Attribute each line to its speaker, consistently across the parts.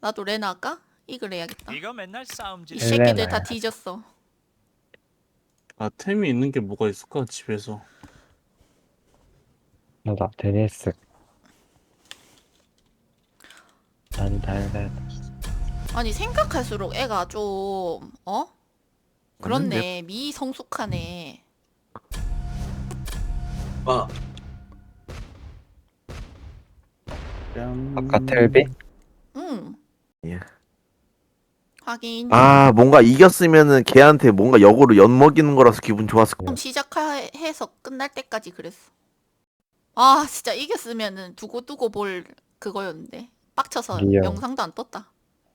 Speaker 1: 나도 레나 할까? 이글 해야겠다.
Speaker 2: 이거 맨날 싸움질.
Speaker 1: 이 새끼들
Speaker 3: 레나
Speaker 1: 다
Speaker 3: 해야지.
Speaker 1: 뒤졌어.
Speaker 4: 아, 템이 있는 게 뭐가 있을까, 집에서.
Speaker 3: 맞아, 데니스. 달달달.
Speaker 1: 아니 생각할수록 애가 좀 그렇네. 미성숙하네.
Speaker 5: 아,
Speaker 3: 아까 텔비?
Speaker 1: 응.
Speaker 6: 예.
Speaker 1: 하긴
Speaker 6: 아 뭔가 이겼으면은 걔한테 뭔가 역으로 엿먹이는 거라서 기분 좋았을 거.
Speaker 1: 좀 시작해서 끝날 때까지 그랬어. 아 진짜 이겼으면은 두고두고 볼 그거였는데 빡쳐서
Speaker 3: 리얼.
Speaker 1: 영상도 안 떴다.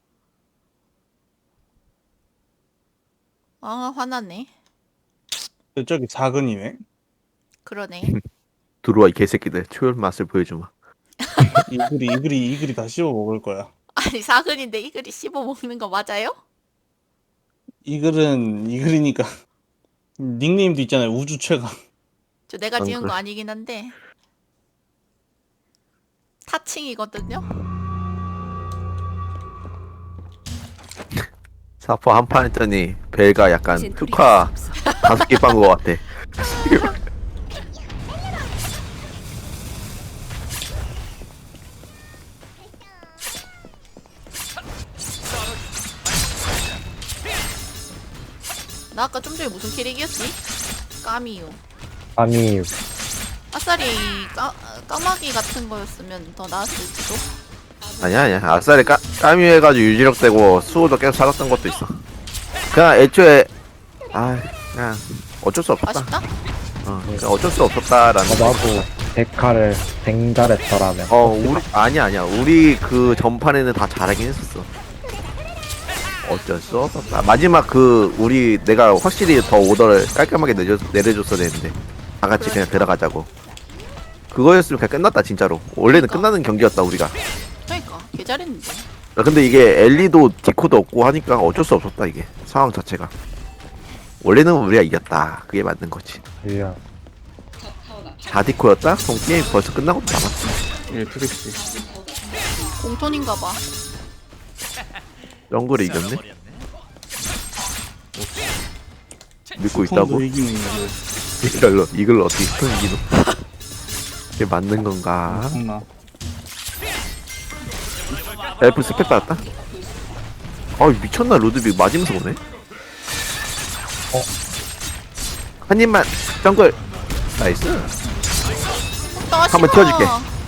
Speaker 1: 아 화나네.
Speaker 4: 저기 작은이네.
Speaker 1: 그러네.
Speaker 6: 들어와 이 개새끼들 초열 맛을 보여주마.
Speaker 4: 이글이 다 씹어 먹을 거야.
Speaker 1: 아니 사근인데 이글이 씹어 먹는 거 맞아요?
Speaker 4: 이글이니까. 닉네임도 있잖아요, 우주 최강.
Speaker 1: 저 내가
Speaker 6: 안
Speaker 1: 지은 거
Speaker 6: 그래.
Speaker 1: 아니긴 한데 타칭이거든요.
Speaker 6: 사포 한 판 했더니 벨가 약간 특화 5개 빤 거 같아.
Speaker 1: 나 아까 좀 전에 무슨 캐릭이었지? 까미유.
Speaker 3: 아미,
Speaker 1: 아싸리 까마귀 같은 거였으면 더 나았을지도.
Speaker 6: 아니야 아싸리 까미 해가지고 유지력되고 수호도 계속 살았던 것도 있어. 그냥 애초에 그냥 어쩔 수 없었다.
Speaker 1: 아쉽다.
Speaker 6: 그냥 어쩔 수 없었다라는.
Speaker 3: 나도 데카를 댕잘했더라면.
Speaker 6: 우리 아니야 우리 그 전판에는 다 잘하긴 했었어. 어쩔 수 없었다. 마지막 우리 내가 확실히 더 오더를 깔끔하게 내려줬어야 되는데 다 같이 그냥 들어가자고. 그거였으면 그냥 끝났다 진짜로. 원래는
Speaker 1: 그러니까.
Speaker 6: 끝나는 경기였다 우리가.
Speaker 1: 그러니까 개 잘했는데.
Speaker 6: 근데 이게 엘리도 디코도 없고 하니까 어쩔 수 없었다 이게 상황 자체가. 원래는 우리가 이겼다. 그게 맞는 거지.
Speaker 3: 리얼.
Speaker 6: 다 디코였다? 그럼 게임 벌써 끝나고 남았어.
Speaker 4: 예, 트릭시.
Speaker 1: 공톤인가 봐.
Speaker 6: 정글을 이겼네? 믿고 있다고?
Speaker 4: 폰도 이기는 이글.
Speaker 6: 이걸 어떻게 이기노? 이게 맞는 건가?
Speaker 4: 엄청나.
Speaker 6: 엘프 스펙 받았다? 미쳤나 루드빅 맞으면서 오네? 한 입만 정글 나이스. 한번 띄워줄게.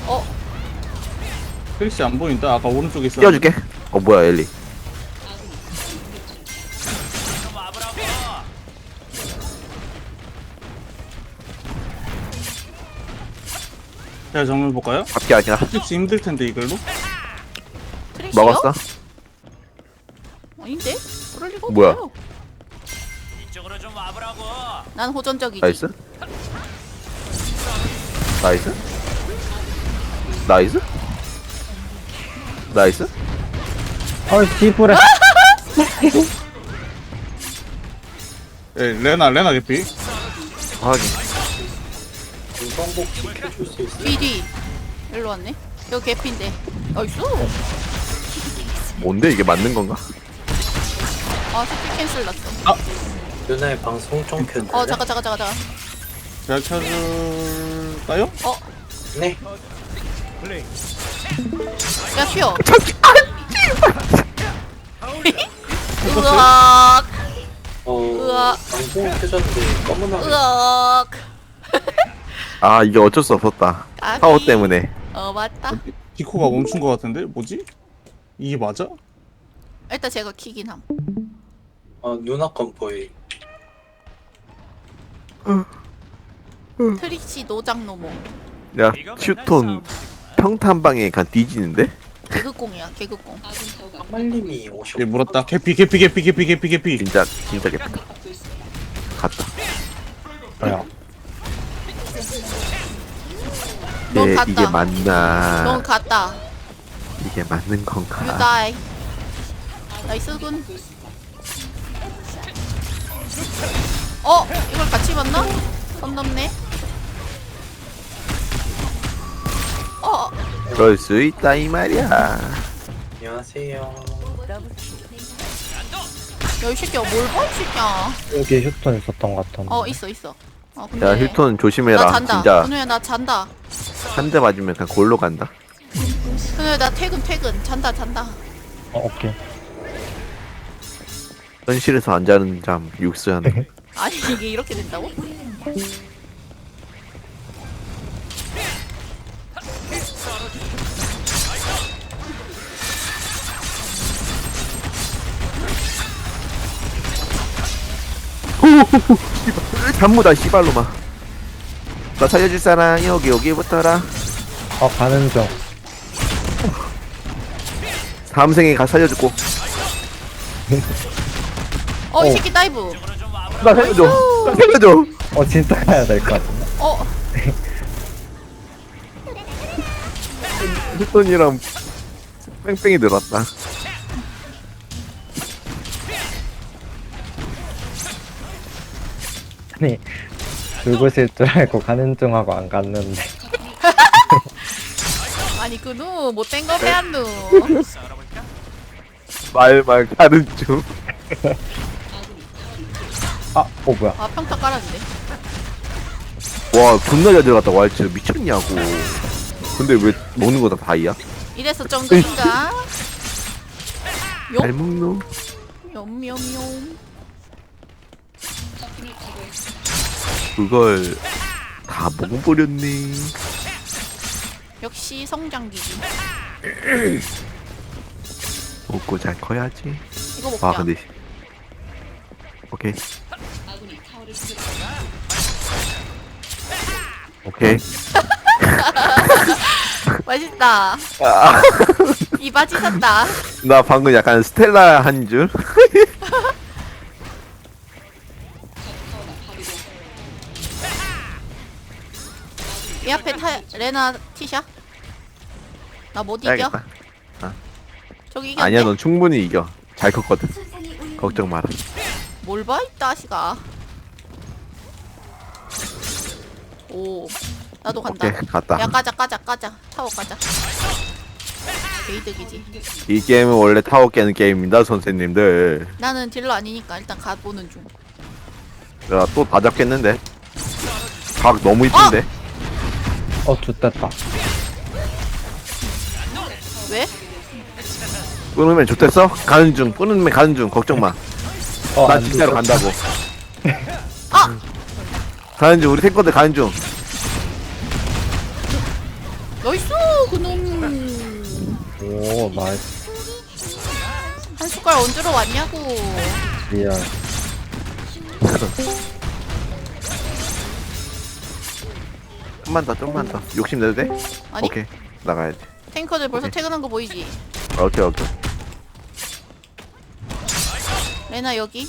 Speaker 4: 트릭시 안 보인다. 아까 오른쪽에 있어.
Speaker 6: 띄워줄게. 뭐야 엘리.
Speaker 4: 제가 정말 볼까요?
Speaker 6: 잡기 아니라
Speaker 4: 트릭시 힘들 텐데 이걸로.
Speaker 1: 트릭시요?
Speaker 6: 먹었어?
Speaker 1: 아닌데? 그럴 리가
Speaker 6: 뭐야?
Speaker 1: 없어요.
Speaker 2: 이쪽으로 좀 와보라고.
Speaker 1: 난 호전적이지.
Speaker 6: 나이스. 나이스. 나이스. 나이스.
Speaker 3: 씨부레.
Speaker 4: 예, 레나 개피.
Speaker 6: 확인.
Speaker 5: 금방복 지켜줄 수 있어.
Speaker 1: 뒤 일로 왔네. 여기 개피인데. 나이스.
Speaker 6: 뭔데 이게 맞는 건가?
Speaker 1: 아 스킬 캔슬 났어.
Speaker 5: 누나의 방송 좀 켰네.
Speaker 1: 잠깐.
Speaker 4: 제가 찾을까요?
Speaker 5: 네.
Speaker 1: 야 튀어. 으악. 으악.
Speaker 5: 방송 켜졌는데 검은 화면.
Speaker 1: 으악.
Speaker 6: 이게 어쩔 수 없었다.
Speaker 1: 까비.
Speaker 6: 파워 때문에.
Speaker 1: 맞다.
Speaker 4: 디코가 멈춘 것 같은데? 뭐지? 이게 맞아?
Speaker 1: 일단 제가 키긴 함.
Speaker 5: 누나 건 보이.
Speaker 1: 트릭시 노장노모.
Speaker 6: 야
Speaker 2: 이거 맨날
Speaker 6: 슈톤
Speaker 2: 싸움질이구만.
Speaker 6: 평탄방에 간 뒤지는데?
Speaker 1: 개그공이야 개그공.
Speaker 5: 한말님이 오셨.
Speaker 4: 예, 물었다. 개피.
Speaker 6: 진짜 개쁘다. 갔다.
Speaker 3: 뭐야?
Speaker 1: 넌 갔다.
Speaker 6: 이게 맞나?
Speaker 1: 넌 갔다.
Speaker 6: 이게 맞는 건가?
Speaker 1: 유다이. 나이스군. 이걸 같이 봤나? 선 넘네.
Speaker 6: 그럴 수 있다 이 말이야.
Speaker 5: 안녕하세요.
Speaker 1: 야, 이 새끼야, 뭘 봐, 이 새끼야.
Speaker 3: 여기 휴톤 있었던 것 같은데.
Speaker 1: 있어. 근데.
Speaker 6: 야 힐톤 조심해라.
Speaker 1: 나 잔다.
Speaker 6: 진짜
Speaker 1: 근우야, 나 잔다.
Speaker 6: 한 대 맞으면 그냥 골로 간다.
Speaker 1: 근우야, 나 퇴근. 잔다.
Speaker 3: 오케이.
Speaker 6: 현실에서 안 자는 잠 육수하는.
Speaker 1: 아니, 이게 이렇게 된다고?
Speaker 6: 잠무다 씨발로마. 나 살려줄 사람 여기부터라.
Speaker 3: 가는 중.
Speaker 6: 다음 생에 가 살려주고.
Speaker 1: 이 새끼 다이브.
Speaker 6: 나 살려줘. 나 살려줘.
Speaker 3: 진짜 가야 될 것 같은데.
Speaker 6: 힐톤이랑 뺑뺑이 늘었다.
Speaker 3: 아니, 죽으실 줄 알고 가는 중 하고 안 갔는데.
Speaker 1: 아니, 근우, 못된 거 배안누.
Speaker 6: 말말 가는 중.
Speaker 3: 뭐야.
Speaker 1: 평타 깔았는데.
Speaker 6: 와 존나 잘 들어갔다 왈츠 미쳤냐고. 근데 왜 먹는 거 다 다이야?
Speaker 1: 이래서 정글인가?
Speaker 6: 잘 먹노?
Speaker 1: 욤.
Speaker 6: 그걸 다 먹어버렸네.
Speaker 1: 역시 성장기지.
Speaker 6: 먹고 잘 커야지.
Speaker 1: 이거 먹자.
Speaker 6: 와 근데 오케이 오케이.
Speaker 1: 맛있다. 이 바지 샀다.
Speaker 6: 나 방금 약간 스텔라 한 줄.
Speaker 1: 이 앞에 레나 티샷? 나 못 이겨?
Speaker 6: 해야겠다.
Speaker 1: 저기 이겼네?
Speaker 6: 아니야 넌 충분히 이겨. 잘 컸거든. 걱정 마라.
Speaker 1: 뭘 봐, 이 따시가. 오, 나도 간다.
Speaker 6: 오케이 갔다.
Speaker 1: 야, 까자. 타워 까자. 개이득이지.
Speaker 6: 이 게임은 원래 타워 깨는 게임입니다 선생님들.
Speaker 1: 나는 딜러 아니니까 일단 가보는 중.
Speaker 6: 야 또 다 잡겠는데. 각 너무 이쁜데.
Speaker 3: 좋됐다.
Speaker 1: 왜?
Speaker 6: 끊으면 좋댔어? 가는 중. 끊으면 가는 중. 걱정 마. 나 진짜로 간다고. 가는 중. 우리 탱커들 가는 중.
Speaker 1: 나이스, 그놈.
Speaker 3: 오, 나이스.
Speaker 1: 한 숟갈 얹으러 왔냐고.
Speaker 3: 리얼.
Speaker 6: 좀만 더. 욕심 내도 돼?
Speaker 1: 아니,
Speaker 6: 오케이. 나가야지.
Speaker 1: 탱커들 벌써
Speaker 6: 오케이.
Speaker 1: 퇴근한 거 보이지?
Speaker 6: 오케이.
Speaker 1: 레나 여기.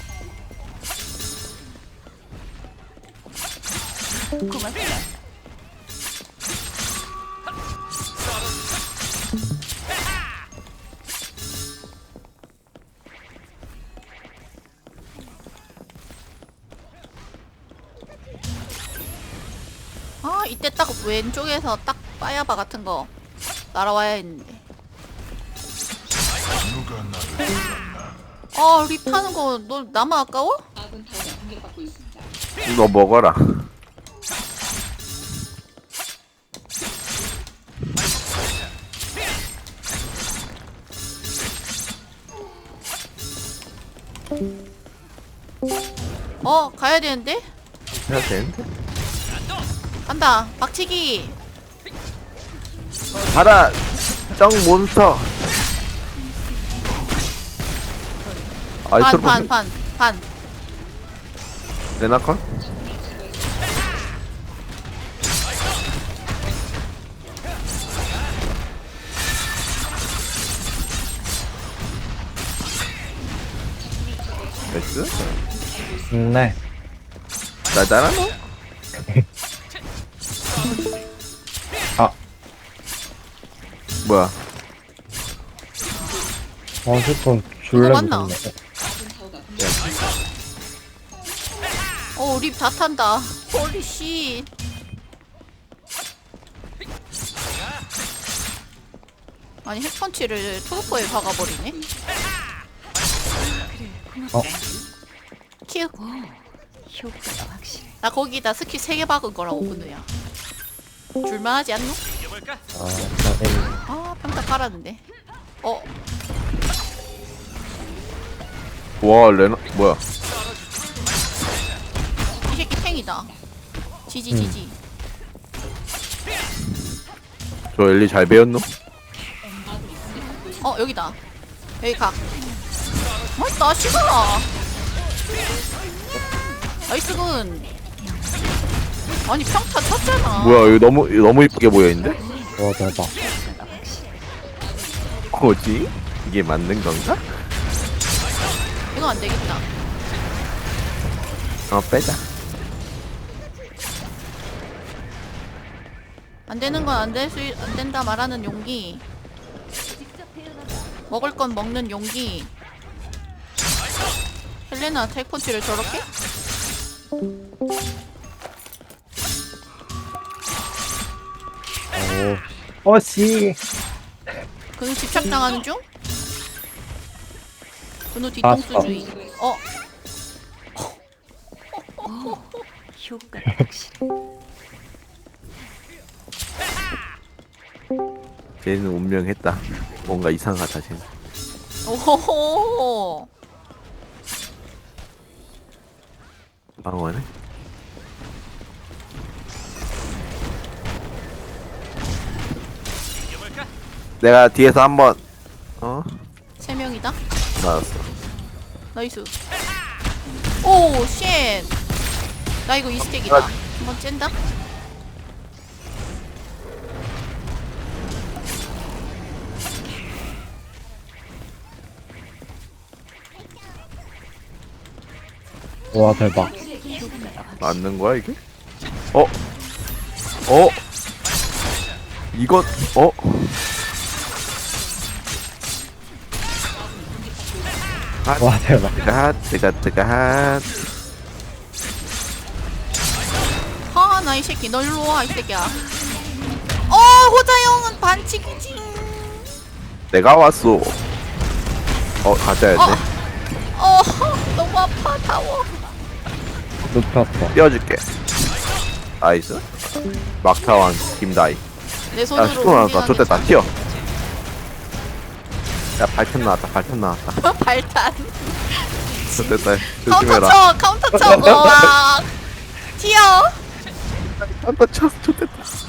Speaker 1: 이때 딱 왼쪽에서 딱 빠야바 같은 거 날아와야 했는데. 립 타는 거 너 나만 아까워?
Speaker 6: 너 먹어라.
Speaker 1: 가야 되는데?
Speaker 6: 해야 되는데?
Speaker 1: 간다. 박치기.
Speaker 6: 가라. 정 몬스터.
Speaker 1: 반.
Speaker 6: 레나컨? 나이스.
Speaker 3: 네.
Speaker 6: 나잖아. 뭐야?
Speaker 3: 휴톤 줄래
Speaker 1: 이거 맞나?
Speaker 3: 무섭네.
Speaker 1: 립 다 탄다. 홀리 씨. 아니 핵펀치를 트루퍼에 박아버리네.
Speaker 3: 어.
Speaker 1: 큐. 나 거기다 스킬 3개 박은 거라고 근우야. 줄만하지 않노?
Speaker 2: 이겨볼까?
Speaker 3: 아, 나
Speaker 1: 아 평타 깔았는데.
Speaker 6: 와 레나 뭐야?
Speaker 1: 이 새끼 탱이다. 지지.
Speaker 6: 저 엘리 잘 배웠노?
Speaker 1: 여기다. 여기 가. 맛있다 시간아. 나이스군. 아니 평타 쳤잖아.
Speaker 6: 뭐야 이거 너무 이쁘게 보여있는데?
Speaker 3: 와 대박.
Speaker 6: 뭐지? 이게 맞는 건가?
Speaker 1: 이거 안 되겠다.
Speaker 6: 빼자.
Speaker 1: 안 되는 건 안 된다 말하는 용기. 먹을 건 먹는 용기. 헬레나 테이펀치를 저렇게?
Speaker 3: 오. 씨.
Speaker 1: 근우 집착당하는 중? 근우 뒤통수주의.
Speaker 6: 쟤는 운명했다. 뭔가 이상하다 쟤는.
Speaker 1: 오호호.
Speaker 6: 방어하네.
Speaker 2: 이겨볼까?
Speaker 6: 내가 뒤에서 한번
Speaker 1: 3명이다.
Speaker 6: 맞았어.
Speaker 1: 나이스. 오, 쉣. 나 이거 이스택이다. 한번 쨘다.
Speaker 3: 와 대박.
Speaker 6: 맞는 거야 이게? 이건
Speaker 3: 와 대박.
Speaker 6: 뜨가
Speaker 1: 아, 나 이 새끼. 너 일로 와, 이 새끼야. 호자형은 반칙이지.
Speaker 6: 내가 왔어. 가져야 돼.
Speaker 1: 너무 아파, 타워.
Speaker 3: 눕혔어.
Speaker 6: 띄워줄게. 나이스. 막타왕 김다이.
Speaker 1: 내
Speaker 6: 야
Speaker 1: 손으로.
Speaker 6: 슈퍼 나왔다.
Speaker 1: 운행하는
Speaker 6: 좋됐다. 튀어. 야 발탄 나왔다.
Speaker 1: 발탄.
Speaker 6: 좋됐다.
Speaker 1: 카운터
Speaker 6: 조심해라.
Speaker 1: 쳐, 카운터 쳐. 와. 튀어.
Speaker 6: 한번 쳐. 좋됐다.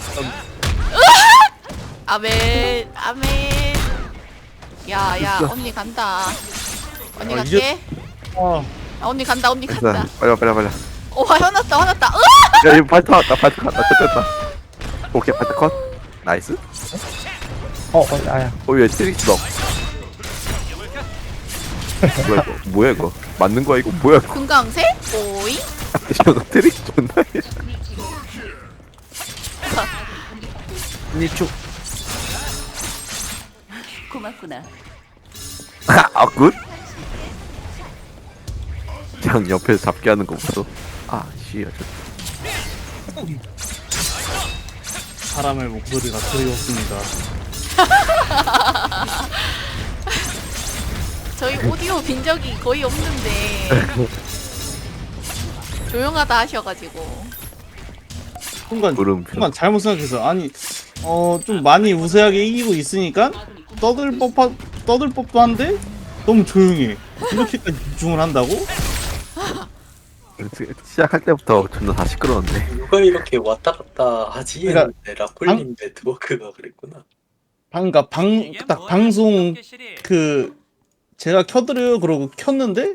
Speaker 1: 아멘. 야, 언니 간다. 언니
Speaker 4: 아,
Speaker 1: 갈게.
Speaker 4: 아,
Speaker 1: 언니 간다.
Speaker 6: 됐어. 빨리.
Speaker 1: 화났다.
Speaker 6: 야 이거 발탄 왔다. 좋됐다. 오케이 발탄 컷. 나이스.
Speaker 3: 아야.
Speaker 6: 왜 트릭스 넣어? 뭐야 이거? 맞는 거야 이거? 뭐야 이거?
Speaker 1: 금강새? 오이?
Speaker 6: 저거 트릭스 존나 해. 니축.
Speaker 7: 고맙구나.
Speaker 6: 굿? 그냥 옆에서 잡게 하는 거 보소. 씨야
Speaker 4: 사람의 목소리가 그리웠습니다.
Speaker 1: 저희 오디오 빈 적이 거의 없는데 조용하다 하셔가지고.
Speaker 6: 물음표.
Speaker 4: 순간 잘못 생각해서 아니 좀 많이 우세하게 이기고 있으니까 떠들 법도 한데 너무 조용해. 이렇게까지 집중을 한다고?
Speaker 6: 시작할 때부터 존나 다 시끄러웠네.
Speaker 5: 누가 이렇게 왔다 갔다 하지?
Speaker 4: 그러니까
Speaker 5: 했는데 라쿨님 네트워크가 그랬구나.
Speaker 4: 딱 방송
Speaker 2: 이게 뭐야,
Speaker 4: 방송
Speaker 2: 덕계실이.
Speaker 4: 제가 켜드려요 그러고 켰는데